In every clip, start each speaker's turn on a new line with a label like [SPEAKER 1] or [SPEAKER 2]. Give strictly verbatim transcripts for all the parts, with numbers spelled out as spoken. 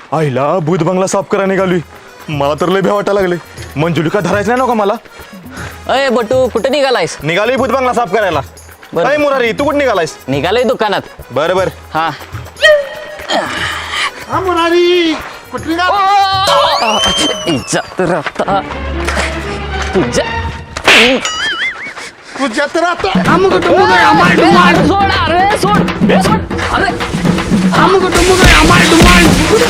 [SPEAKER 1] आईला भूत बंगला साफ करा निघाली. मला तर लय भ्या वाटायला लागले. मंजुलिका धरायचं नाही नका मला.
[SPEAKER 2] अय बटू कुठे निघालायस?
[SPEAKER 1] निघालोय भूत बंगला साफ करायला.
[SPEAKER 2] बरं.
[SPEAKER 1] अरे मुरारी तू कुठे निघालायस?
[SPEAKER 2] निघालोय दुकानात.
[SPEAKER 1] बरं बरं.
[SPEAKER 2] हा
[SPEAKER 3] हा मुरारी कुठली ना
[SPEAKER 2] इज्जत राहता तुझ्या
[SPEAKER 3] तुझ्या तर आता आम कुटुंब काय आमाय डुमाल
[SPEAKER 2] सोड अरे सोड ए, सोड अरे
[SPEAKER 3] आम कुटुंब काय आमाय डुमाल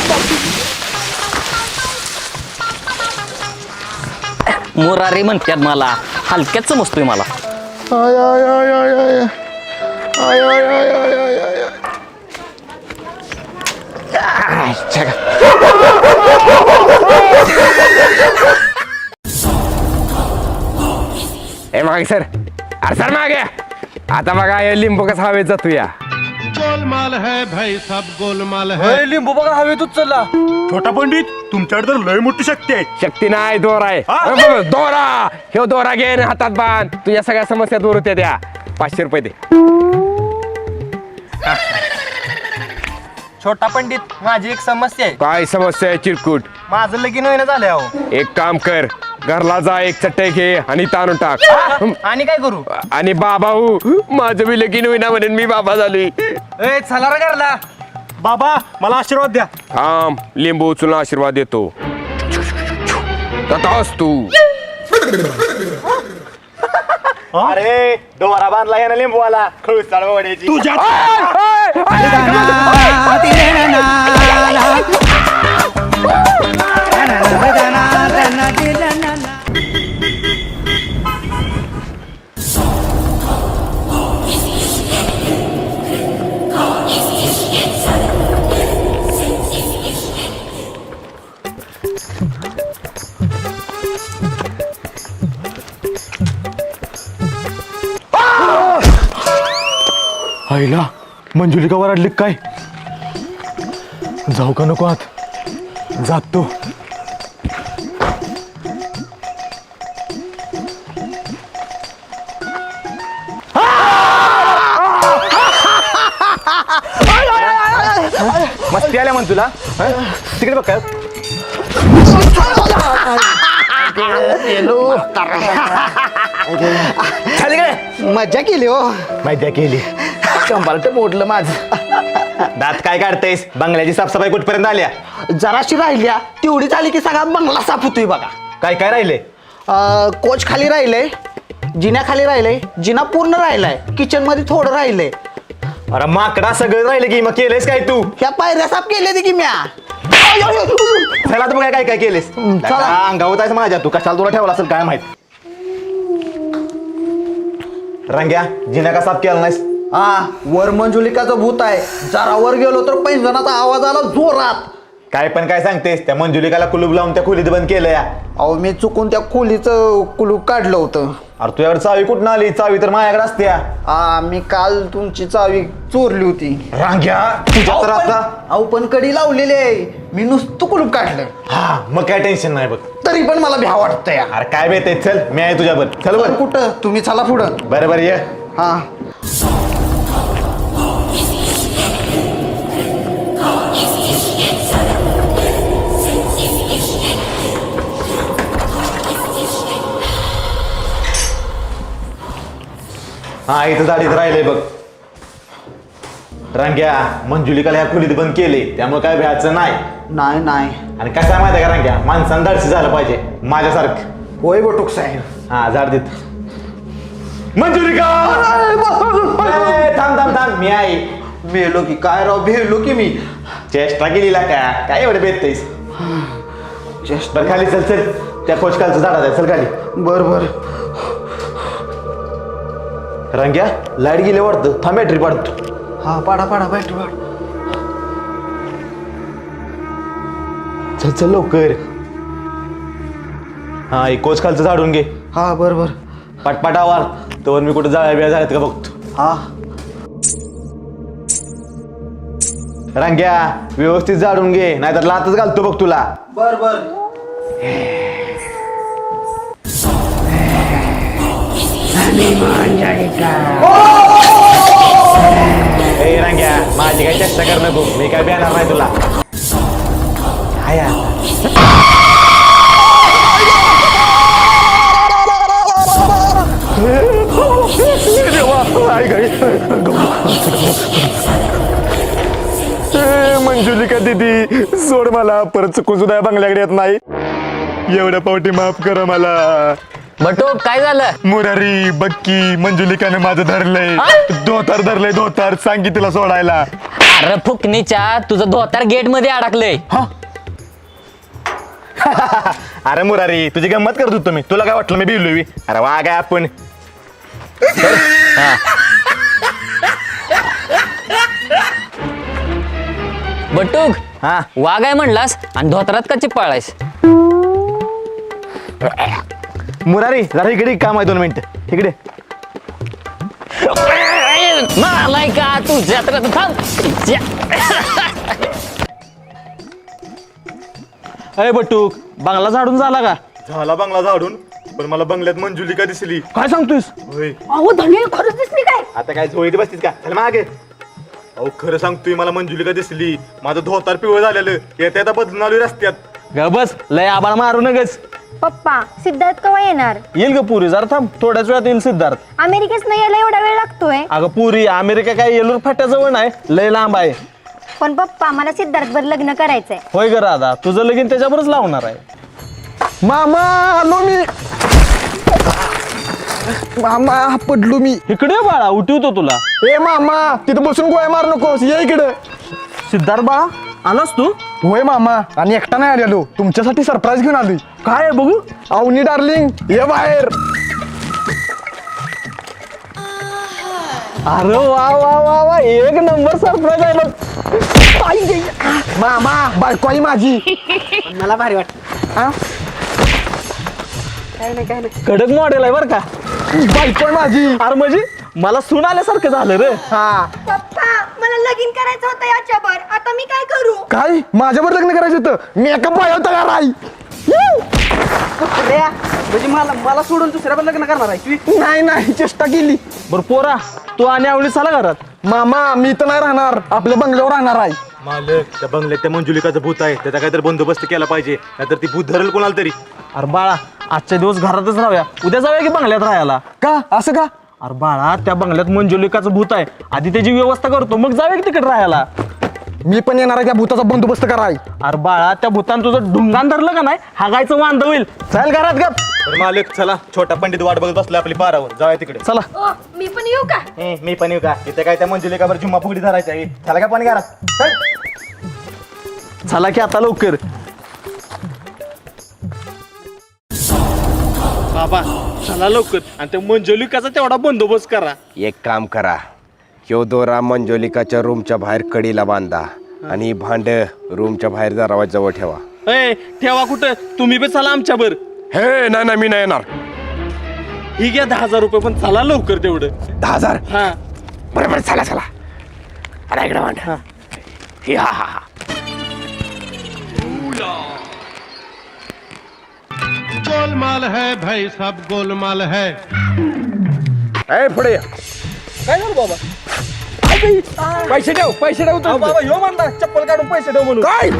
[SPEAKER 2] मुरारी म्हणतात मला. हलक्यात समजतोय मला.
[SPEAKER 3] आय आय आय आय आय आय आय आय आय आय आय
[SPEAKER 4] ए मागे सर अरे सर मागे आता बघा हे लिंबू कसा हवेत जातो या.
[SPEAKER 5] गोलमाल है भाई सब गोलमाल है.
[SPEAKER 1] लिंबू बघा हवेतच चालला. छोटा पंडित तुमच्याकडे तर लय मोठी शक्ती आहे.
[SPEAKER 4] शक्ती नाही दोरा आहे.
[SPEAKER 1] हा?
[SPEAKER 4] अरे बाबा, दोरा हे दोरा घे आणि हातात बांध तुझ्या सगळ्या समस्या दूर होत्या त्या. पाचशे रुपये दे.
[SPEAKER 6] छोटा पंडित माझी एक समस्या आहे.
[SPEAKER 4] काय समस्या आहे चिरकुट?
[SPEAKER 6] माझं लगीन होईना झालंय अहो.
[SPEAKER 4] एक काम कर घरला जा एक चटई घे आणि ताणून टाक.
[SPEAKER 6] आणि काय करू?
[SPEAKER 4] आणि बाबा हो माझं बी लगीन होईना म्हणून मी बाबा झालोय.
[SPEAKER 6] ए चला रे घरला.
[SPEAKER 1] बाबा मला आशीर्वाद द्या.
[SPEAKER 4] थांब लिंबू उचलून आशीर्वाद देतो. तथाच तू.
[SPEAKER 1] अरे डोरा बांधला या ना लिंबूवाला खळूस वड्याची. तुझ्या आईला मंजुलिका वराडली काय? जाऊ का नको आत? जातो. मस्ती आल्या म्हण तुला. हं? तिकडे बघ काय
[SPEAKER 3] मजा केली हो.
[SPEAKER 1] माहिती केली.
[SPEAKER 3] कंबारट मोडलं माझं.
[SPEAKER 1] दात काय काढतेस? बंगल्याची साफसफाई कुठपर्यंत आल्या?
[SPEAKER 3] जराशी राहिल्या तेवढी झाली की सगळा बंगला साफ होतोय बघा.
[SPEAKER 1] काय काय राहिले?
[SPEAKER 3] अं, कोच खाली राहिलंय, जिन्या खाली राहिलंय, जिना पूर्ण राहिलाय, किचन मध्ये थोडं राहिलंय.
[SPEAKER 1] अरे माकडा सगळं राहिलं की मग केलेस काय तू?
[SPEAKER 3] ह्या पायऱ्या साफ केल्या की म्या.
[SPEAKER 1] चला तर बघा काय काय केलेस.
[SPEAKER 3] चला.
[SPEAKER 1] अंगावत आहे माझ्या. तू कशाला तुला ठेवला असेल काय माहित. रंग्या जिना का साफ केला नाहीस?
[SPEAKER 3] हा वर मंजुलिकाचं भूत आहे. जरा वर गेलो तर पैंजणाचा आवाज आला जोरात.
[SPEAKER 1] काय पण काय सांगतेस? त्या मंजुलिकाला कुलूप लावून त्या खोलीत बंद केलं या.
[SPEAKER 3] अहो मी चुकून त्या खोलीचं कुलूप काढलं होतं.
[SPEAKER 1] अरे तुझ्याकडे चावी कुठून आली? चावी तर माझ्याकडे असत्या.
[SPEAKER 3] हा मी काल तुमची चावी चोरली होती.
[SPEAKER 1] रांग्या तुझ्या तर आता.
[SPEAKER 3] अहो पण कडी लावलेली आहे. मी नुसतं कुलूप काढलं
[SPEAKER 1] हा मग काय टेन्शन नाही बघ.
[SPEAKER 3] तरी पण मला भ्या वाटतंय.
[SPEAKER 1] अरे काय बेते चल मी आहे तुझ्यावर. चल बर.
[SPEAKER 3] कुठं तुम्ही चला पुढं.
[SPEAKER 1] बरं बरं ये.
[SPEAKER 3] हा
[SPEAKER 1] हा इथं दाढीत राहिले बघ. रांग्या मंजुलिकाला ह्या खोलीत बंद केले त्यामुळे काय भ्यायचं नाही.
[SPEAKER 3] नाही नाही
[SPEAKER 1] आणि कसं आहे माहिती आहे का रांग्या? माणसानं धाडसी झालं पाहिजे माझ्यासारखं.
[SPEAKER 3] होय बटूक साहेब.
[SPEAKER 1] हा झाड देत. मंजुलिका ए, थांब थांब थांब मी आहे.
[SPEAKER 3] मेलो की काय राव भेलो की मी.
[SPEAKER 1] चेष्टा केलीला का काय एवढे बेततेस?
[SPEAKER 3] चेष्ट
[SPEAKER 1] बरं खाली चल चल. त्या खोचकालचं झाडात आहे चल खाली.
[SPEAKER 3] बर बर.
[SPEAKER 1] रांग्या लाईट गेली वाटतं. थांब बॅटरी पाडतो.
[SPEAKER 3] हा पाडा पाडा बॅटरी पाड.
[SPEAKER 1] चल चल लवकर. हा एक कोच खालचं झाडून घे.
[SPEAKER 3] हा बर बर.
[SPEAKER 1] पटपट आवार तर मी कुठं जाळ्या बिळ्या झाल्यात का बघतो.
[SPEAKER 3] हा
[SPEAKER 1] रांग्या व्यवस्थित झाडून घे नाहीतर लातच घालतो बघ तुला.
[SPEAKER 3] बर बर.
[SPEAKER 1] ए रांग्या माझी काही चेष्टा कर नको. मी काय बेणार नाही तुला. दिदी सोड मला, परत चुकून सुद्धा या बंगल्याकडे येत नाही. एवढ्या पावटी माफ करा मला.
[SPEAKER 2] बटू काय झालं?
[SPEAKER 1] मुरारी बक्की मंजुलिकाने माझं धरलंय, धोतार धरलंय धोतार. सांग की तिला सोडायला.
[SPEAKER 2] अरे फुकणीच्या तुझं धोतार गेट मध्ये अडकलंय.
[SPEAKER 1] अरे मुरारी तुझी गंमत करत होतो मी, तुला काय वाटलं मी बिलोवी? अरे वा काय आपण
[SPEAKER 2] बटूक
[SPEAKER 1] हा
[SPEAKER 2] वाघ आहे म्हणलास आणि धोतरात का चिपाळायस?
[SPEAKER 1] मुरारी जरा इकडे काम आहे, दोन मिनिट इकडे.
[SPEAKER 2] मारलाय का तू जत्रात थांब.
[SPEAKER 7] अरे बटूक बंगला झाडून झाला का?
[SPEAKER 1] झाला बंगला झाडून, पण मला बंगल्यात मंजुलिका दिसली.
[SPEAKER 7] काय सांगतोयस?
[SPEAKER 1] होय.
[SPEAKER 8] अहो धनी खरंच दिसली काय?
[SPEAKER 1] आता काय झोईत बसतीस का? चल मागे. अहो खरं सांगतोय, मला मंजुलिका दिसली. माझं धोतार पिवळ झालेलं, येत्या आता बदलून आलोय रस्त्यात.
[SPEAKER 7] ग बस लय आबाळ मारू नगच.
[SPEAKER 8] पप्पा सिद्धार्थ केव्हा येणार?
[SPEAKER 7] येईल ग पुरी, जरा थांब, थोड्याच वेळात येईल सिद्धार्थ.
[SPEAKER 8] अमेरिकेत नाही यायला एवढा वेळ लागतोय?
[SPEAKER 7] अगं पुरी अमेरिका काय येलूर फाट्याजवळ नाही, लय लांब आहे.
[SPEAKER 8] पण पप्पा मला सिद्धार्थ बर लग्न करायचंय.
[SPEAKER 7] होय ग राधा, तुझं लगीन त्याच्यावरच लावणार आहे. मामा आलो मी. मामा पडलो मी. इकडे ये बाळा, उठवतो तुला. ए मामा तिथं बसून गोळ्या मार नकोस, ये इकडे. सिद्धार्थ बाळा आलास तू? होय मामा, आणि एकटा नाही आलेलो, तुमच्यासाठी सरप्राईज घेऊन आलोय. काय आहे बघू? अवनी डार्लिंग ये बाहेर. अरे वा वा वा वा, एक नंबर सरप्राईज आहे बघ. मामा बायको आई माझी.
[SPEAKER 3] मला भारी वाटत.
[SPEAKER 7] कडक मॉडेल आहे बर का. बायको आहे माझी. अरे म्हणजे मला सून आल्यासारखं झालं रे. हा
[SPEAKER 8] पप्पा मला लगीन करायचं होतं याच्यावर, आता मी काय करू?
[SPEAKER 7] काय माझ्यावर लग्न करायचं होतं? मी एका बाया तयार आहे.
[SPEAKER 3] म्हणजे मला मला सोडून दुसऱ्या लग्न करणार आहे?
[SPEAKER 7] नाही नाही चेष्टा केली. बरं पोरा तू आणि आवडी चला घरात. मामा मी तर नाही राहणार, आपल्या बंगल्यावर राहणार आहे.
[SPEAKER 1] मालक त्या बंगल्यात त्या मंजुलिकाचं भूत आहे, त्याचा काहीतरी बंदोबस्त केला पाहिजे, नाहीतर ती भूत धरेल कोणाला तरी.
[SPEAKER 7] अरे बाळा आजच्या दिवस घरातच राहूया, उद्या जाऊया की बंगल्यात राहायला. का असं का? अरे बाळा त्या बंगल्यात मंजुलिकाचं भूत आहे, आधी त्याची व्यवस्था करतो मग जाऊया की तिकडे राहायला. मी पण येणार आहे त्या भूताचा बंदोबस्त कराय. अरे बाळा त्या भूतान तुझं ढुंगान धरलं का नाही, हागायचं वांद होईल. चल घरात गप.
[SPEAKER 1] तर मालक चला, छोटा पंडित वाट बघत बसला आपली पारावर, जाऊया तिकडे.
[SPEAKER 7] चला.
[SPEAKER 8] ओ, मी पण येऊ का?
[SPEAKER 1] ए, मी पण येऊ का? इथे काय त्या मंजुलिकावर जुम्मा फुगडी धरायचा आहे. चला का पाणी घरात. चल.
[SPEAKER 7] चला की आता लवकर. बाबा चला लवकर, आणि त्या मंजुलिकाचा तेवढा बंदोबस्त करा.
[SPEAKER 4] एक काम करा, ह्यो दोरा मंजोलिकाच्या रूमच्या बाहेर कडीला बांधा आणि भांड रूमच्या बाहेर दरवाजाजवळ ठेवा.
[SPEAKER 7] ए ठेवा कुठं, तुम्ही बी चला आमच्यावर.
[SPEAKER 4] हे नाही नाही मी नाही येणार.
[SPEAKER 7] ही घ्या दहा हजार रुपये, पण चला लवकर तेवढं.
[SPEAKER 4] दहा हजार
[SPEAKER 7] हा
[SPEAKER 4] बरोबर, चला चला. अरे इकडे भांड. हे हा हा हा.
[SPEAKER 5] गोलमाल है भाई सब गोलमाल है.
[SPEAKER 4] ए पुढे या.
[SPEAKER 7] काय झालं बाबा?
[SPEAKER 4] पैसे ठेव पैसे ठेव
[SPEAKER 7] अहो, बाबा यो म्हणला चप्पल काढून पैसे ठेव म्हणून.
[SPEAKER 4] काय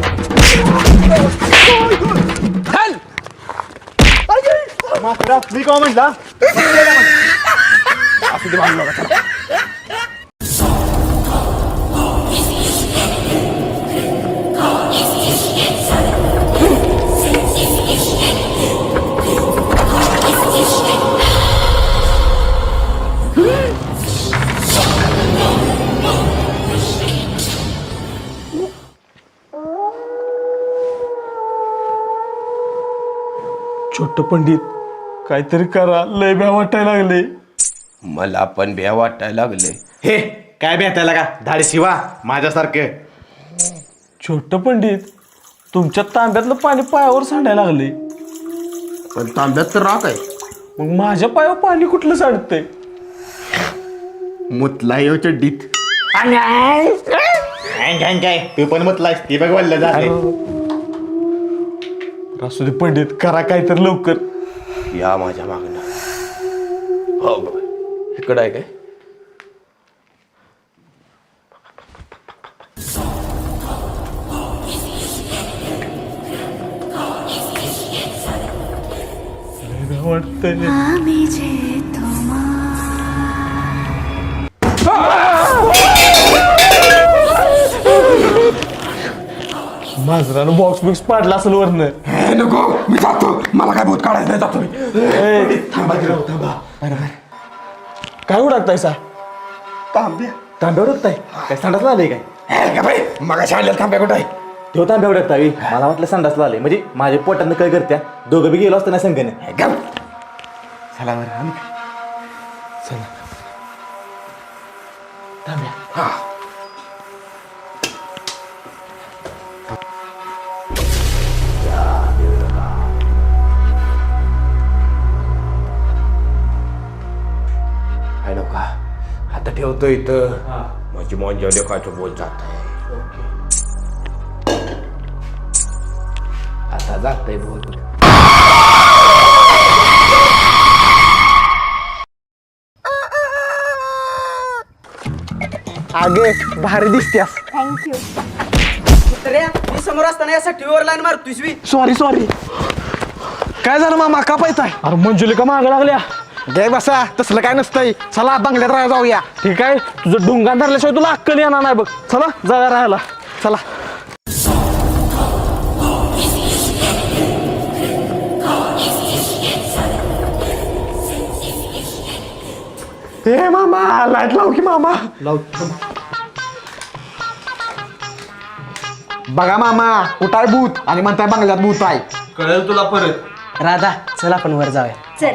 [SPEAKER 4] चल.
[SPEAKER 1] मास्तर, मी काय म्हटला?
[SPEAKER 4] असू दे भांडू नका, चला.
[SPEAKER 7] छोट पंडित काहीतरी करा, लय भ्या वाटायला लागले.
[SPEAKER 4] मला पण भ्या वाटायला लागले.
[SPEAKER 1] हे काय भेटायला का धाडे शिवा माझ्यासारखं.
[SPEAKER 7] छोट पंडित तुमच्या तांब्यातलं पाणी पायावर सांडायला लागले.
[SPEAKER 3] पण तांब्यात तर राख आहे.
[SPEAKER 7] मग माझ्या पायावर पाणी कुठलं सांडतंय?
[SPEAKER 1] मुतला येऊ चड्डीत. काय तू पण मुतलास ती बघ वल्ल झाले.
[SPEAKER 7] असू दे पंडित, करा काहीतरी लवकर.
[SPEAKER 4] या माझ्या मागणं. हो बघ इकडं आहे काय?
[SPEAKER 7] वाटतंय मांजरानं बॉक्स बिक्स पाडला असेल वरनं.
[SPEAKER 4] नको मी जातो मला काय भूत काढायचं नाही जातो मी
[SPEAKER 7] ए, थांबा की राव, थांबा. काय उडकताय सा
[SPEAKER 3] तांब्या
[SPEAKER 7] तांब्या उडकताय काय संडासला आलंय काय
[SPEAKER 4] मग शाळेला थांब्या कुठं आहे
[SPEAKER 1] तो तांब्या उडकतावी मला वाटलं संडासला आले म्हणजे माझ्या पोटानं काय करत्या दोघं बी गेलो असतं ना संघाने.
[SPEAKER 3] चला बरं आम्ही
[SPEAKER 4] आहे नका आता ठेवतो इथं माझी मंजोली काचू बोल जात आहे आता जातंय बोल.
[SPEAKER 3] आगे भारी दिसत्यास.
[SPEAKER 8] थँक्यू.
[SPEAKER 3] मी समोर असताना यासाठी वर लाईन मारतोयस मी. Sorry sorry. काय झालं मामा का पाहताय?
[SPEAKER 7] अरे मंजुलिका माग लागल्या.
[SPEAKER 3] गे बसा तसलं काय नसतंय. चला बंगल्यात राहा जाऊया.
[SPEAKER 7] ठीक आहे तुझं डोंगा धरल्याशिवाय तुला अक्कल येणार नाही बघ. चला जाऊया राहायला.
[SPEAKER 3] चला.
[SPEAKER 7] ए मामा लाईट लाव की मामा.
[SPEAKER 3] बघा मामा कुठाय भूत आणि म्हणताय बंगल्यात भूत आहे.
[SPEAKER 7] कळेल तुला परत.
[SPEAKER 3] राधा चल आपण वर जाऊया.
[SPEAKER 8] चल.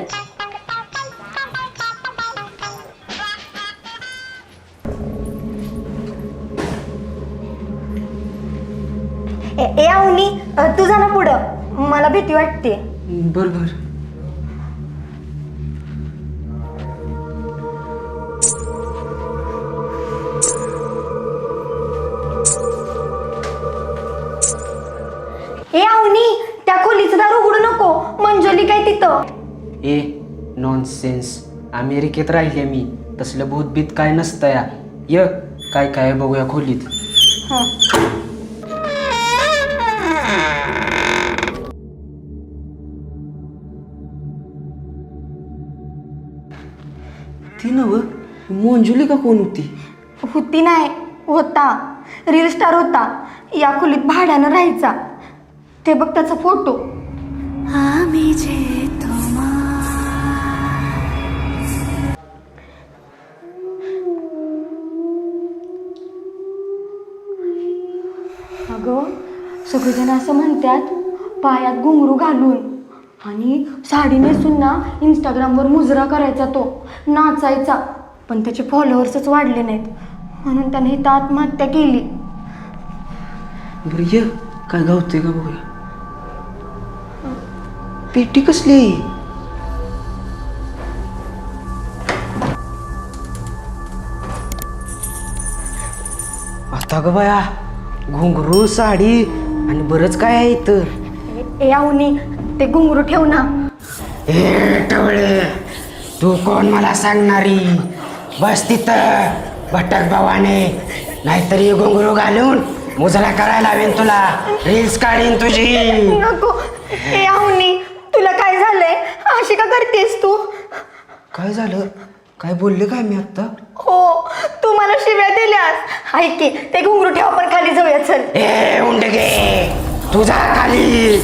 [SPEAKER 8] ए ए, अवनी अ, तू जा ना पुढं मला भीती वाटते.
[SPEAKER 3] बर बर.
[SPEAKER 8] ए अवनी त्या खोलीचं दार उघडू नको मंजोली काय तिथं.
[SPEAKER 9] ए नॉनसेन्स अमेरिकेत राहिले मी तसलं भूतभीत काय नसतं या य काय काय बघूया खोलीत. ती नव मंजुली का कोण होती?
[SPEAKER 8] होती नाही होता रील स्टार होता या खोलीत भाड्यानं राहायचा. ते बघ त्याचा फोटो. आम्ही जे अगं सगळेजण असं म्हणतात पायात घुंगरू घालून आणि साडी नेसून ना इंस्टाग्रामवर मुजरा करायचा तो नाचायचा पण त्याचे फॉलोअर्सच वाढले नाहीत म्हणून त्याने इथं आत्महत्या केली.
[SPEAKER 9] बरं ये काय गावते का बघूया. पेटी कसली? आता ग बाया घुंगरू साडी आणि बरंच काय आहे इथं.
[SPEAKER 8] ए आवनी ते घुंगरू ठेव ना.
[SPEAKER 9] ए टवळे तू कोण मला सांगणारी? बस तिथं भटक भावाने नाहीतरी घुंगरू घालून मुजरा करायला लावेन तुला. रील्स काढीन तुझी.
[SPEAKER 8] नको. ए आवनी तुला काय झालंय अशी का करतेस तू?
[SPEAKER 9] काय झालं? काय बोलले काय मी आता?
[SPEAKER 8] हो तू मला शिव्या दिल्यास. ऐक की ते घुंगरू ठेव आपण खाली जाऊया चल.
[SPEAKER 9] ए उंडगे तुझा खाली.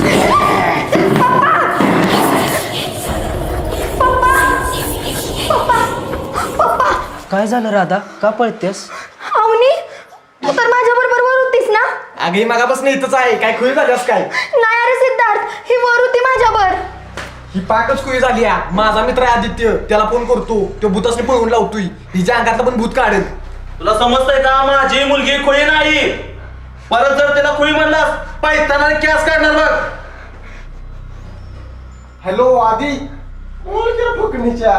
[SPEAKER 9] काय झालं राधा का पळतेस?
[SPEAKER 8] आवनी तू तर माझ्या बरोबर वर होतीस ना.
[SPEAKER 7] अगे मागापासून इथंच आहे काय खुई झाल्यास काय?
[SPEAKER 8] नाही अरे सिद्धार्थ ही वर होती माझ्यावर.
[SPEAKER 7] ही पाकच खुई झाली या. माझा मित्र आहे आदित्य त्याला फोन करतो तो भूतासने पळवून लावतोय. हिच्या अंगातलं पण भूत काढेल.
[SPEAKER 1] तुला समजतंय का माझी मुलगी खोळी नाही. परत जर त्याला खोळी म्हणलास पायताना कॅस काढणार बघ.
[SPEAKER 7] हॅलो आदी फुकणीच्या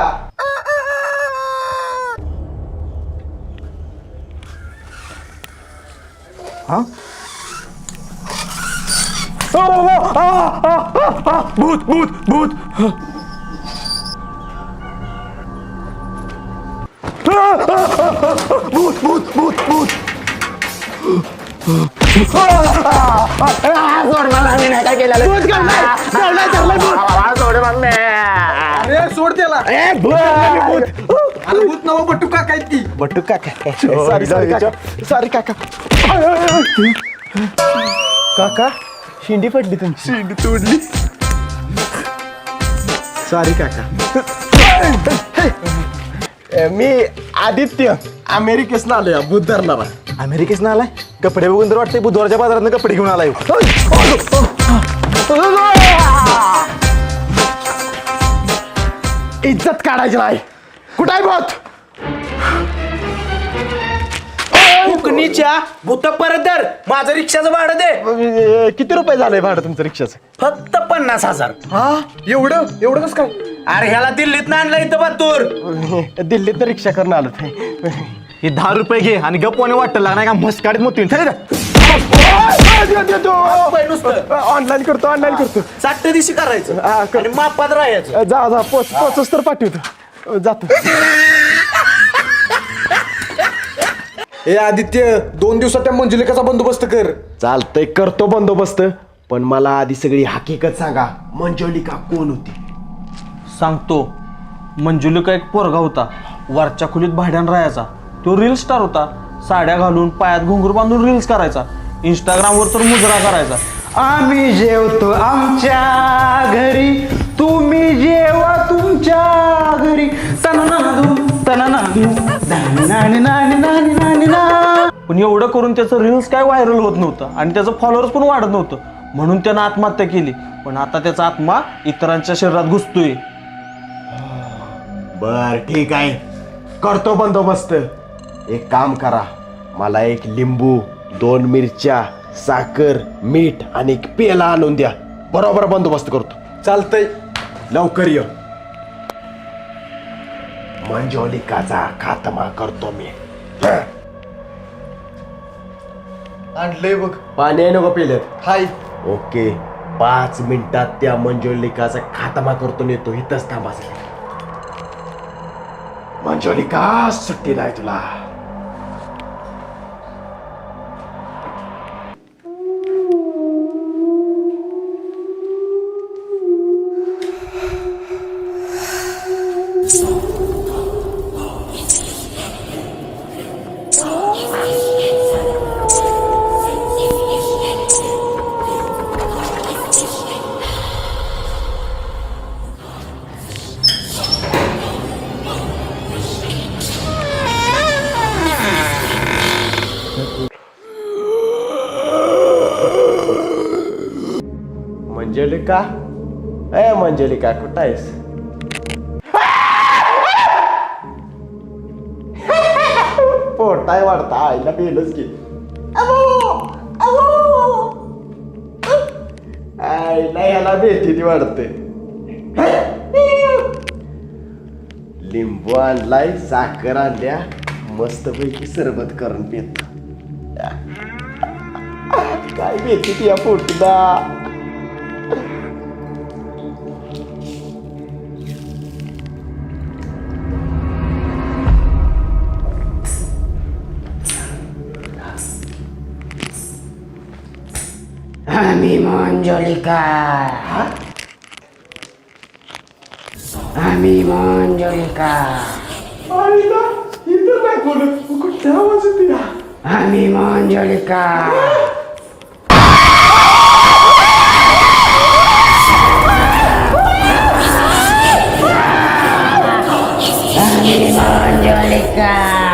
[SPEAKER 7] हा
[SPEAKER 1] भूत भूत भूत भूत भूत भूत भूत
[SPEAKER 3] सोड मला मी नाही काय केलेलं.
[SPEAKER 7] अरे सोड त्याला. अरे भूत नव बट्टू काका आहेत ती.
[SPEAKER 3] बट्टू काका सॉरी सॉरी काका सॉरी काका.
[SPEAKER 7] काका शेंडी पडली तुमची शेंडी तोडली सॉरी काका मी आदित्य अमेरिकेसन आलोय बुध धरणारा
[SPEAKER 1] अमेरिकेसन आलाय कपडे बघून तर वाटतंय बुधवारच्या बाजारात कपडे घेऊन आलाय
[SPEAKER 7] इज्जत काढायची नाही कुठं आहे बोत
[SPEAKER 3] फुकणीच्या भूत परत दर माझं रिक्षाचं भाडं दे.
[SPEAKER 7] किती रुपये झालंय भाडं तुमचं रिक्षाचं
[SPEAKER 3] फक्त पन्नास हजार.
[SPEAKER 7] हा एवढं एवढं कसं काय
[SPEAKER 3] अरे ह्याला दिल्लीत आणलं इथं बत्तूर.
[SPEAKER 7] दिल्लीत रिक्षा करून आलो
[SPEAKER 1] हे दहा रुपये घे आणि गप्पाने वाटतं लागणार का मस्काडीत मोती
[SPEAKER 7] ऑनलाईन करतो ऑनलाईन करतो
[SPEAKER 3] साठ दिवशी करायचं
[SPEAKER 7] हा, कर.
[SPEAKER 3] आणि मापात राहायचं.
[SPEAKER 7] जा जा पोच पोचच तर पाठवतो जातो ए आदित्य दोन दिवसात त्या मंजुलिकाचा बंदोबस्त कर. चालतंय करतो बंदोबस्त पण मला आधी सगळी हकीकत सांगा मंजुलिका कोण होती.
[SPEAKER 2] सांगतो. मंजुलिका एक पोरगा होता वरच्या खोलीत भाड्यानं राहायचा. तो रील स्टार होता. साड्या घालून पायात घुंगरू बांधून रील्स करायचा. इंस्टाग्रामवर तर मुजरा करायचा.
[SPEAKER 3] आम्ही जेवतो आमच्या घरी तुम्ही जेवा तुमच्या घरी तननादू तननादू नानी नानी नानी नानी नानी ना.
[SPEAKER 2] पण एवढं करून त्याचं रील्स काय व्हायरल होत नव्हतं आणि त्याचं फॉलोअर्स पण वाढत नव्हतं म्हणून त्यानं आत्महत्या केली. पण आता त्याचा आत्मा इतरांच्या शरीरात घुसतोय.
[SPEAKER 7] बर ठीक आहे करतो बंदोबस्त. एक काम करा मला एक लिंबू दोन मिरच्या साखर मीठ आणि एक पेला आणून द्या बरोबर बंदोबस्त करतो. चालतंय लवकर ये. मंजुलिकाचा खात्मा करतो मी.
[SPEAKER 1] आणलंय बघ
[SPEAKER 7] पाणी आहे नको पेल्यात हाय ओके पाच मिनिटात त्या मंजुलिकाचा खात्मा करतो नेतो इथंच थांबा. मंजुलिका सुट्टी नाही तुला. मंजुलिका ए मंजुलिका कुठं आहेस. पोटाय वाढता आईला बेलच की आईला याला बेती वाढते. लिंबू आणलाय साखर आणल्या मस्तपैकी सरबत करून पित. काय बेती या पोटीला.
[SPEAKER 9] आम्ही मंजुलिका आम्ही मंजुलिका
[SPEAKER 7] आईला इथं नाही कोण कुठे आवाज येते या.
[SPEAKER 9] आम्ही मंजुलिका आम्ही मंजुलिका.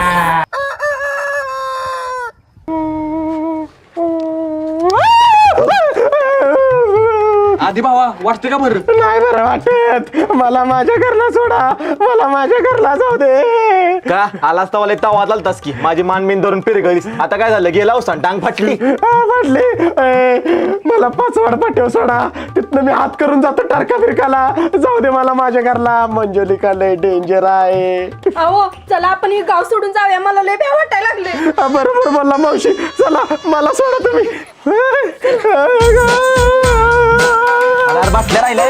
[SPEAKER 2] आधी भावा वाटतं का बरं.
[SPEAKER 7] नाही बरं वाटत मला माझ्या घरला सोडा मला माझ्या घरला जाऊ दे.
[SPEAKER 1] का आलास तवाला तवा चालतास की माझी मानमीन धरून फिरगलीस. आता काय झालं गेला होता टांग फाटली.
[SPEAKER 7] हा, फाटली ए, मला पाचवाड पाठव सोडा तिथनं मी हात करून जातो टारका फिरकाला. जाऊ दे मला माझ्या घरला. मंजुलिका लय डेंजर आहे.
[SPEAKER 8] अहो चला आपण हे गाव सोडून जाऊया मला लय भ्या वाटायला लागले.
[SPEAKER 7] हा, बरोबर बोलला मावशी चला मला सोडा तुम्ही.
[SPEAKER 2] अरे बसल्या राहिले.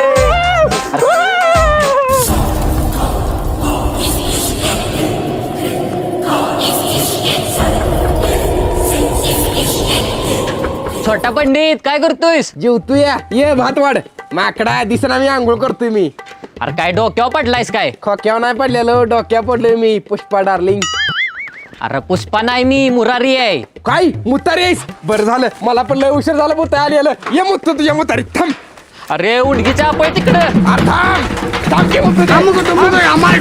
[SPEAKER 2] छोटा पंडित काय करतोयस.
[SPEAKER 4] जेवतोया ये भात वाढ माकडा दिसना मी आंघोळ करतोय मी.
[SPEAKER 2] अरे काय डोक्यावर पडलायस काय.
[SPEAKER 4] खोक्यावर नाही पडलेलो डोक्या पडलोय मी पुष्पा डार्लिंग.
[SPEAKER 10] अरे पुष्पा नाही मी मुरारी आहे.
[SPEAKER 4] काय मुतारी आहेस? बरं झालं मला पण लय उशीर झाला मुता आलेलं. ये मुत्त तुझ्या मुतारी थांब.
[SPEAKER 10] अरे उडगीच्या आपण तिकडं.
[SPEAKER 4] अरे थांब थांब की मुत्त थांब कुठं मुत्त आमार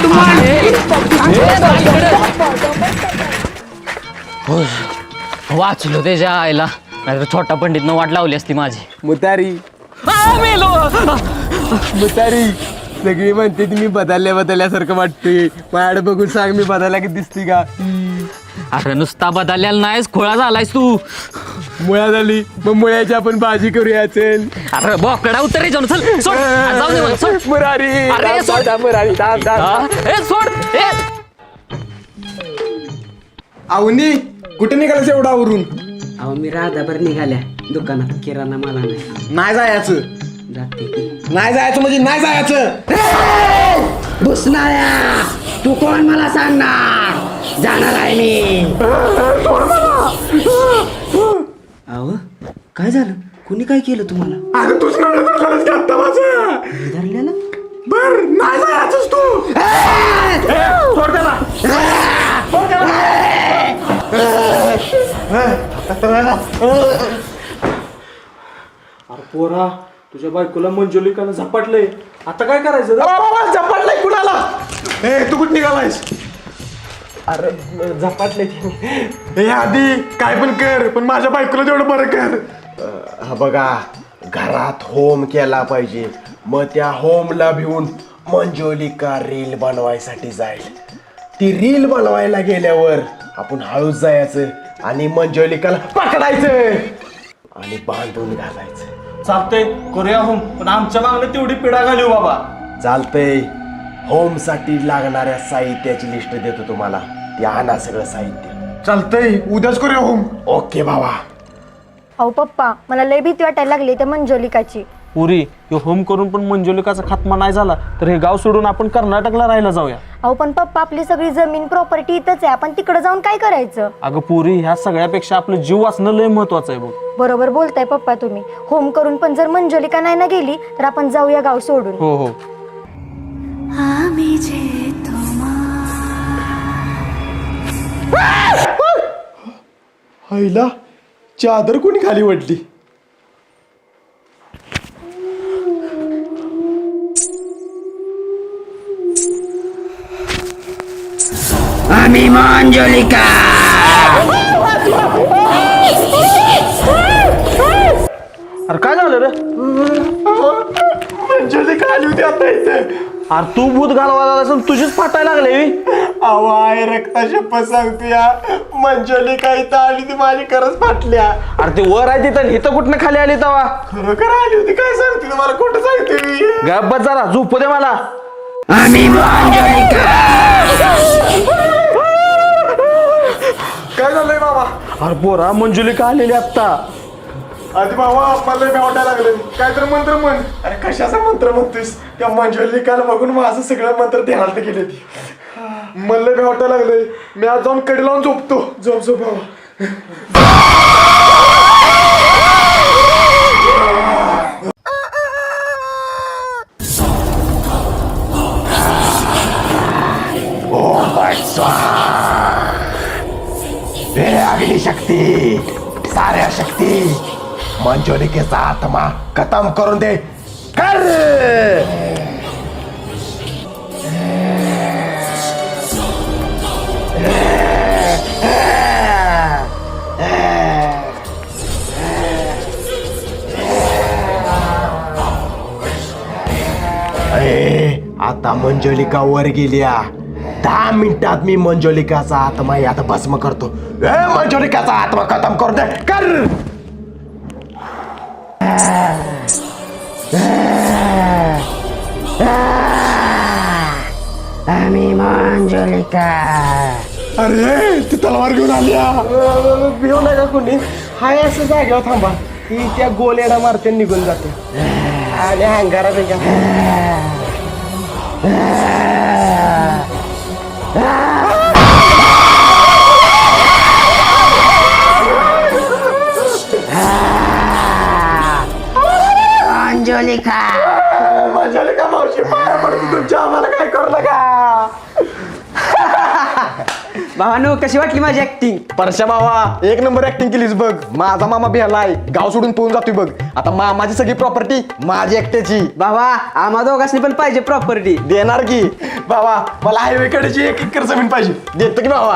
[SPEAKER 10] वाचलो त्याच्या आईला, नाहीतर छोटा पंडितनं वाट लावली असती माझी.
[SPEAKER 4] मुतारी
[SPEAKER 10] आ, मेलो.
[SPEAKER 4] मुतारी सगळी म्हणते ती मी बदलल्या बदलल्यासारखं वाटते. माझ्याकडे बघून सांग मी बदलला की दिसती का?
[SPEAKER 10] अरे नुसता बदललेला नाहीस, खोळा झालायस तू.
[SPEAKER 4] मुळा झाली मग मुळ्याची आपण भाजी करूया चल.
[SPEAKER 10] अरे बोकडा उतर रे जाऊन चल सोड. आ, जाऊ दे मला, सोड.
[SPEAKER 4] मुरारी
[SPEAKER 10] अरे,
[SPEAKER 4] थांब,
[SPEAKER 10] सोड.
[SPEAKER 4] थांब, मुरारी थांब, थांब.
[SPEAKER 10] आ, ए सोड ए.
[SPEAKER 4] आवनी कुठे निघालास एवढा आवरून?
[SPEAKER 9] अहो मी राधाभर निघाल्या दुकानात किराणा मला नाही.
[SPEAKER 7] नाही जायचं.
[SPEAKER 9] जाते की
[SPEAKER 7] नाही जायचं म्हणजे नाही जायचं.
[SPEAKER 9] भुसणाऱ्या तू कोण मला सांगणार? जाणार आहे मी. अहो काय झालं? कुणी काय केलं तुम्हाला?
[SPEAKER 4] अरे तूच
[SPEAKER 9] धरलेलं
[SPEAKER 4] बर नाही जायचंच तू.
[SPEAKER 2] अरे पोरा, तुझ्या बायकोला मंजुलिकानं झपाटलंय, आता काय करायचं?
[SPEAKER 7] झपाटलाय कुणाला?
[SPEAKER 4] ए तू कुठे निघालायस?
[SPEAKER 2] अरे झपाटले.
[SPEAKER 4] हे आधी काय पण कर पण माझ्या बायकोला तेवढं बरं कर. हा बघा घरात होम केला पाहिजे. मग त्या होमला भिवून मंजुलिका रील बनवायसाठी जाईल. ती रील बनवायला गेल्यावर आपण हळूच जायचं आणि मंजुलिकाला पकडायचं आणि बांधून घालायचं.
[SPEAKER 2] चालतंय, करूया होम, पण आमच्या मागणं तेवढी पिढा घालू बाबा.
[SPEAKER 4] चालतंय. होम साठी लागणाऱ्या साहित्याची लिस्ट देतो तुम्हाला. ते आणा सगळं साहित्य. चालतंय उद्याच करूया होम. ओके बाबा.
[SPEAKER 8] अहो पप्पा, मला लय भीती वाटायला लागली त्या मंजोलिकाची.
[SPEAKER 2] पुरी, हे होम करून पण मंजुलिकाचा खात्मा नाही झाला तर हे गाव सोडून आपण कर्नाटकला राहायला जाऊया.
[SPEAKER 8] अहो पण पप्पा, आपली सगळी जमीन प्रॉपर्टी इथंच आहे, आपण तिकडे जाऊन काय करायचं?
[SPEAKER 2] अगं पुरी, ह्या सगळ्यापेक्षा आपलं जीव वाचणं लय महत्वाचं आहे बघ.
[SPEAKER 8] बरोबर बोलताय पप्पा तुम्ही. होम करून पण जर मंजोलिका नाही ना गेली तर आपण जाऊया गाव सोडून.
[SPEAKER 2] हो हो.
[SPEAKER 4] आईला चादर कोणी खाली वाटली?
[SPEAKER 9] आम्ही मंजुलिका.
[SPEAKER 2] अरे काय झालं रे?
[SPEAKER 4] मंजुलिका आली होती आता इथे.
[SPEAKER 2] अरे तू भूत घालवायला असून तुझीच फाटायला लागले.
[SPEAKER 4] अहो आहे रक्ता शपथ सांगतोया मंजुलिका इथं आली ती माझी खरंच फाटल्या.
[SPEAKER 2] अरे ते वर आहे तिथं, इथं कुठनं खाली आली तवा?
[SPEAKER 4] खरोखर आली होती. काय सांगते तुम्हाला खोटं सांगते मी?
[SPEAKER 2] गप्प जरा, झोपू दे मला.
[SPEAKER 9] आम्ही मंजुलिका.
[SPEAKER 4] काय झालंय बाबा?
[SPEAKER 2] अरे पोरा, मंजुलिका आलेली आत्ता.
[SPEAKER 4] आधी बाबा मला लय वाटायला लागलं. काय तर मंत्र म्हण. अरे कशाचा मंत्र म्हणतोस? त्या मंजुलिकाला बघून माझं सगळं मंत्र ध्यानात गेले. ती मला लय वाटायला लागलंय. मी आज जाऊन कडी लावून झोपतो. झोप झोप बाबा. हे अग्निशक्ती, साऱ्या शक्ती, मंजुलिकेचा आत्मा खतम करून दे. कर. आता मंजुलिका वर गेल्या. दहा मिनिटात मी मंजुलिकाचा आत्मा आता भस्म करतो. ए मंजुलिकाचा आत्मा खतम करून दे. कर.
[SPEAKER 9] आम्ही मंजुलिका.
[SPEAKER 4] अरे ती तलवार घेऊन आल्या.
[SPEAKER 7] भिऊ नका कोणी. हाय असं जागेवर थांबा. ती त्या गोलेडा मारते निघून जाते आणि अंगारा त्याच्या.
[SPEAKER 9] मंजुलिका.
[SPEAKER 4] मंजुलिका मावशी पाया पडतो तुमच्या. आम्हाला काय करू नका.
[SPEAKER 9] भावानो कशी वाटली माझी ऍक्टिंग?
[SPEAKER 7] परशा भावा एक नंबर ऍक्टिंग केलीस बघ. माझा मामा बेहलाय, गाव सोडून पळून जातोय बघ. आता मामाची सगळी प्रॉपर्टी माझी एकट्याची.
[SPEAKER 9] भावा आम्हा दोघांनी पण पाहिजे प्रॉपर्टी.
[SPEAKER 7] देणार की
[SPEAKER 4] बाबा मला हायवे कडेची एक एकर जमीन पाहिजे.
[SPEAKER 7] देतो की भावा.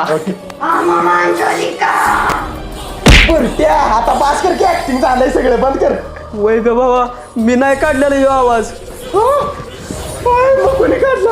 [SPEAKER 4] बुरट्या, आता बास कर की ऍक्टिंग झालंय सगळं बंद कर.
[SPEAKER 7] वय ग भावा मी नाही काढलेला ह्यो आवाज.
[SPEAKER 4] कोणी काढला?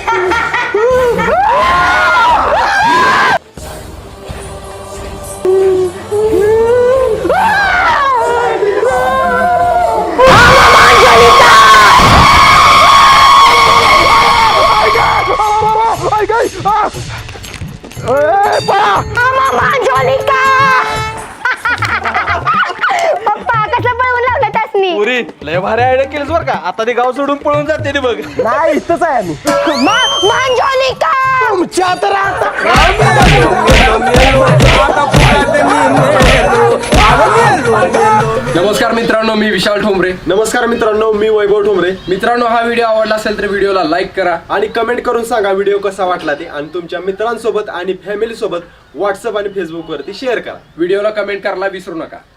[SPEAKER 8] पप्पा कसं पळवून लावलं त्यासनी?
[SPEAKER 2] पुरी लय भारी आयडिया केलीस बरं का. आता ते गाव सोडून पळून जाते ते बघ.
[SPEAKER 7] नाही इथंच आहे आम्ही.
[SPEAKER 8] मंजुलिका
[SPEAKER 4] तुमच्या तर आता
[SPEAKER 11] नमस्कार मित्रांनो, मी विशाल ठोंबरे.
[SPEAKER 4] नमस्कार मित्रांनो, मी वैभव ठोंबरे.
[SPEAKER 11] मित्रांनो, हा व्हिडिओ आवडला असेल तर व्हिडिओला लाईक करा
[SPEAKER 4] आणि कमेंट करून सांगा व्हिडिओ कसा वाटला ते, आणि तुमच्या मित्रांसोबत आणि फॅमिली सोबत व्हॉट्सअप आणि फेसबुक वरती शेअर करा.
[SPEAKER 11] व्हिडिओला कमेंट करायला विसरू नका.